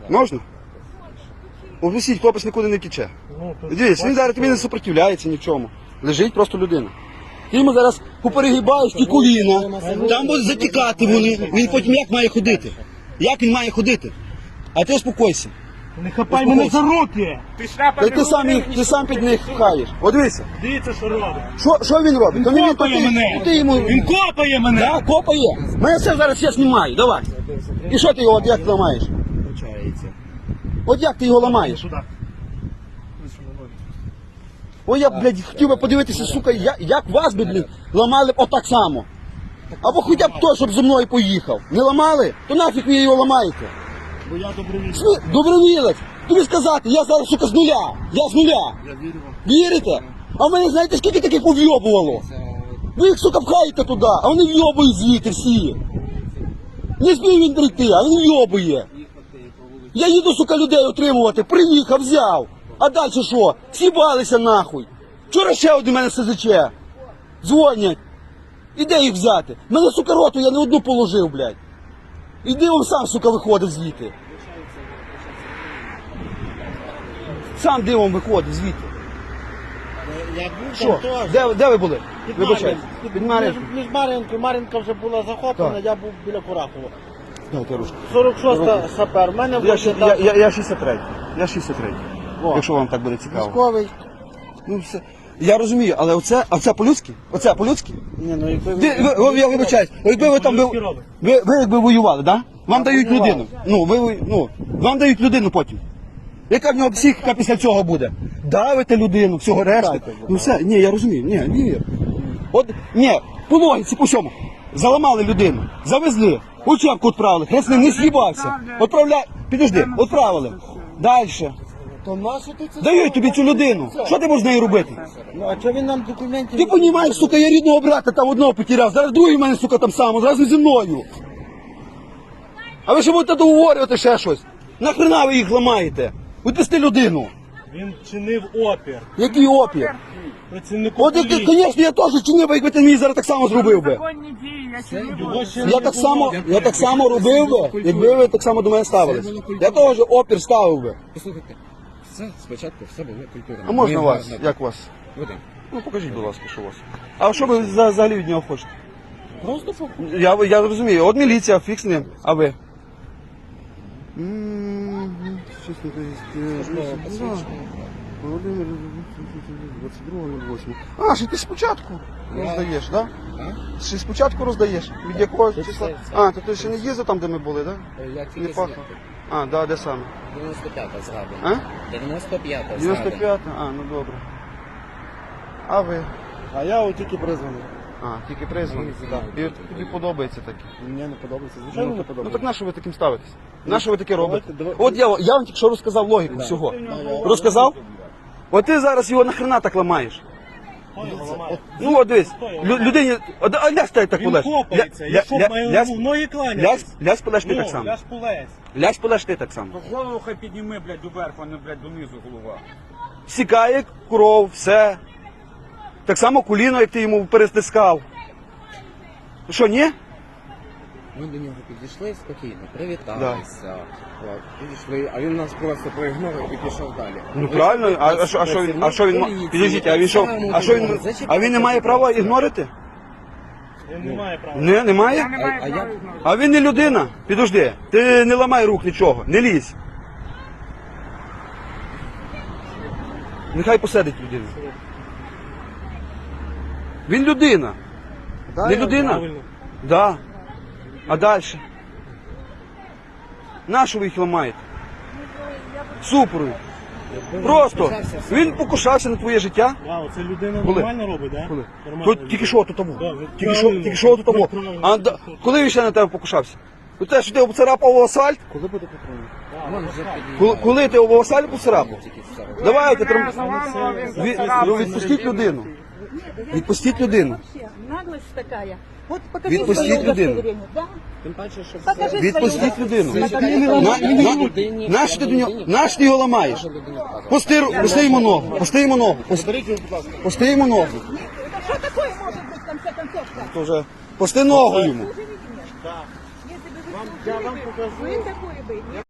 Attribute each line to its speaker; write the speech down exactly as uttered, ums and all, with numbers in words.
Speaker 1: Можна? Обвісіть, хлопець нікуди не тіче. Дивіться, він зараз тобі не супротивляється ні в чому. Лежить просто людина. Ти йому зараз поперегибаєш ті коліна, там будуть затікати вони. Він потім як має ходити? Як він має ходити? А ти успокойся.
Speaker 2: Не хапай мене за руки!
Speaker 1: Та ти сам, їх- ти сам під них пхаєш. От дивися.
Speaker 2: Дивіться, що робить.
Speaker 1: Що, що він робить?
Speaker 2: Він
Speaker 1: То не
Speaker 2: копає
Speaker 1: то ти-
Speaker 2: мене!
Speaker 1: то ти йому...
Speaker 2: Він копає мене!
Speaker 1: Да, копає. Мене все зараз я знімаю, давай. І що ти його от як ламаєш? От як ти його ламаєш?
Speaker 2: Сюди.
Speaker 1: Ой, я, блядь, хотів би подивитися, сука, як, як вас би, блін, ламали б отак само. Або хоча б той, щоб зі мною поїхав. Не ламали? То нафіг ви його ламаєте?
Speaker 2: Бо я добровільний.
Speaker 1: Сми- Добровілець. Тобі сказати, я зараз, сука, з нуля. Я з нуля.
Speaker 2: Я вірю вам.
Speaker 1: Вірите? А в мене, знаєте, скільки таких повйобувало? Ви їх, сука, пхаєте туди, а вони вйобують звідти всі. Не змів він прийти, а він вйобує. Я їду, сука, людей отримувати, приїхав, взяв. А далі що? Сібалися нахуй. Вчора ще один мене СЗЧ. Дзвонять. І де їх взяти? Мене, сука, роту я не одну положив, блядь. Іди он сам, сука, виходить звідти. Сам дивом виходить звідти.
Speaker 2: Я був
Speaker 1: Що? Де, де ви були?
Speaker 2: Під
Speaker 1: Вибачайте.
Speaker 2: Мар'їнкою.
Speaker 1: Під Мар'їнкою.
Speaker 2: Між Мар'їнкою. Мар'їнка вже була захоплена,
Speaker 1: Так.
Speaker 2: я був біля Курахова.
Speaker 1: Дайте ручку.
Speaker 2: сорок шоста сапер. В мене
Speaker 1: Я, ще-
Speaker 2: був
Speaker 1: я, я, я шістдесят третій. Я шістдесят третій.
Speaker 2: О.
Speaker 1: Якщо вам так буде цікаво.
Speaker 2: військовий.
Speaker 1: Ну, все. Я розумію, але оце, а це по-людськи? Оце по-людськи?
Speaker 2: Ні, ну якби
Speaker 1: Ви, ви, ви, я вибачаюсь, якби ви там ви, ви, ви якби воювали, да? Вам дають
Speaker 2: воював.
Speaker 1: людину. Ну, ви, ви- ну, вам дають людину потім. Яка в нього психіка після цього буде? Давите людину, всього решти. Ну все, ні, я розумію, ні, ні. От, ні, по логіці, по всьому. Заламали людину, завезли, учебку відправили, хрест не з'їбався. Отправляй, підожди, відправили. Дальше.
Speaker 2: То нащо ти це?
Speaker 1: Дають тобі цю людину. Що ти можеш з нею робити?
Speaker 2: Ну, а чого він нам документів?
Speaker 1: Ти розумієш, сука, я рідного брата там одного потеряв, зараз другий в мене, сука, там само, зразу зі мною. А ви ще будете договорювати ще щось? Нахрена ви їх ламаєте? Відпусти людину.
Speaker 2: Він чинив опір.
Speaker 1: Який опір?
Speaker 2: Працівнику
Speaker 1: От, як, звісно, я теж чинив, якби ти мені зараз так само зробив би.
Speaker 3: Законні дії, я ще не
Speaker 2: Його
Speaker 3: буду.
Speaker 2: ще
Speaker 1: Я
Speaker 2: не
Speaker 1: так
Speaker 2: було.
Speaker 1: само, я так само робив би, якби ви так само до мене ставились. Я теж опір ставив би.
Speaker 4: Послухайте, все спочатку все було культурно.
Speaker 1: А можна
Speaker 4: Ми
Speaker 1: вас?
Speaker 4: гарно-
Speaker 1: Як вас?
Speaker 4: Ведемо.
Speaker 1: Ну покажіть, будь ласка, що у вас. А що ви за- взагалі від нього хочете?
Speaker 4: Просто по-
Speaker 1: Я, я розумію, от міліція, фікс ним, а ви? М, щось не пояснює. Володимир, двадцять другого ноль восьмого. А, ще ти спочатку роздаєш, так?
Speaker 4: А?
Speaker 1: Ще спочатку роздаєш? Від якого числа? А, то ти ще не їздив там, де ми були, так?
Speaker 4: Е, Я
Speaker 1: Не
Speaker 4: тільки
Speaker 1: пахло.
Speaker 4: зняти.
Speaker 1: А, да, де саме?
Speaker 4: дев'яносто п'ята згадана.
Speaker 1: А?
Speaker 4: дев'яносто п'ята
Speaker 1: дев'яносто
Speaker 4: згадана.
Speaker 1: п'ята? А, ну добре. А ви?
Speaker 2: А я от тільки призваний.
Speaker 1: А, тільки призваний.
Speaker 4: Ну,
Speaker 1: Так. І от тобі подобається таке.
Speaker 2: Мені не подобається. Звичайно, не
Speaker 1: Ну
Speaker 2: подобається.
Speaker 1: так на що ви таким ставитесь? На що ви таке робите?
Speaker 2: давайте.
Speaker 1: От я, я вам тільки що розказав логіку всього. Розказав? От ти зараз його нахрена так ламаєш.
Speaker 2: Хто його ламає?
Speaker 1: Ну от дивись, лю- людині, а, а лясь ти так
Speaker 2: Він
Speaker 1: полеж.
Speaker 2: копається.
Speaker 1: Ля-
Speaker 2: Я що,
Speaker 1: ля-
Speaker 2: маю
Speaker 1: лясь-
Speaker 2: в ноги кланятись?
Speaker 1: Лясь, лясь полеж ти
Speaker 2: Ну,
Speaker 1: так само.
Speaker 2: ляж полез.
Speaker 1: Лясь полеж ти так само.
Speaker 3: Голову хай підніми, блядь, доверху, а не, блядь, донизу голова.
Speaker 1: Сікає кров, все. Так само коліно, як ти йому перестискав. Що, ні?
Speaker 4: Ми до нього підійшли спокійно, привіталися. От, Підійшли, а він нас просто проігнорив і пішов далі.
Speaker 1: Ну правильно, а, а, що, а що він, а що він, ма- підійдіть, а він що, а що він, а він не має права ігнорити?
Speaker 2: Він не має права.
Speaker 1: Не, не має?
Speaker 3: Я не маю
Speaker 4: а
Speaker 3: права
Speaker 4: я-
Speaker 3: знати.
Speaker 1: А він не людина. Підожди, ти не ламай рук нічого, не лізь. Нехай посадить людину. Він людина. Не людина?
Speaker 2: Правильно.
Speaker 1: Да. А далі? Нащо ви їх ламаєте? Супрую. Просто. Він покушався на твоє життя.
Speaker 2: Вау, це людина
Speaker 1: Коли?
Speaker 2: нормально робить, так?
Speaker 1: Коли?
Speaker 2: Нормально
Speaker 1: Тут
Speaker 2: робить.
Speaker 1: тільки що тут тому.
Speaker 2: Да, ви
Speaker 1: Тільки що,
Speaker 2: правильно.
Speaker 1: тільки що тут тому.
Speaker 2: Ви правильно.
Speaker 1: А да- коли він ще на тебе покушався? У те, що ти обцарапав асфальт?
Speaker 2: Коли буде патрульник?
Speaker 4: Вон вже підіймає.
Speaker 1: Коли, коли ти об асфальт поцарапав?
Speaker 4: Тільки все.
Speaker 1: Давайте,
Speaker 3: Мене
Speaker 1: трим...
Speaker 3: заламував, він
Speaker 1: Ві-
Speaker 3: зацарапав.
Speaker 1: ну, відпустіть людину. Відпустіть людину.
Speaker 5: Вообще, наглость такая. Вот покажи
Speaker 1: Відпустіть
Speaker 5: своє
Speaker 1: людину.
Speaker 5: удостоверение, да?
Speaker 4: Тим паче, що
Speaker 5: Покажи своє
Speaker 1: Відпустіть людину.
Speaker 5: удостоверение.
Speaker 1: На, на, наш ти до нього, наш ти його ламаєш? Пусти, ру- пусти йому ногу, пусти йому ногу, пусти, пусти йому ногу.
Speaker 5: Это что такое может быть в конце концов-то?
Speaker 1: То вже, пусти ногу йому.
Speaker 5: Если бы вы
Speaker 2: Я вам
Speaker 5: служили бы,
Speaker 2: покажу.
Speaker 5: вы такое бы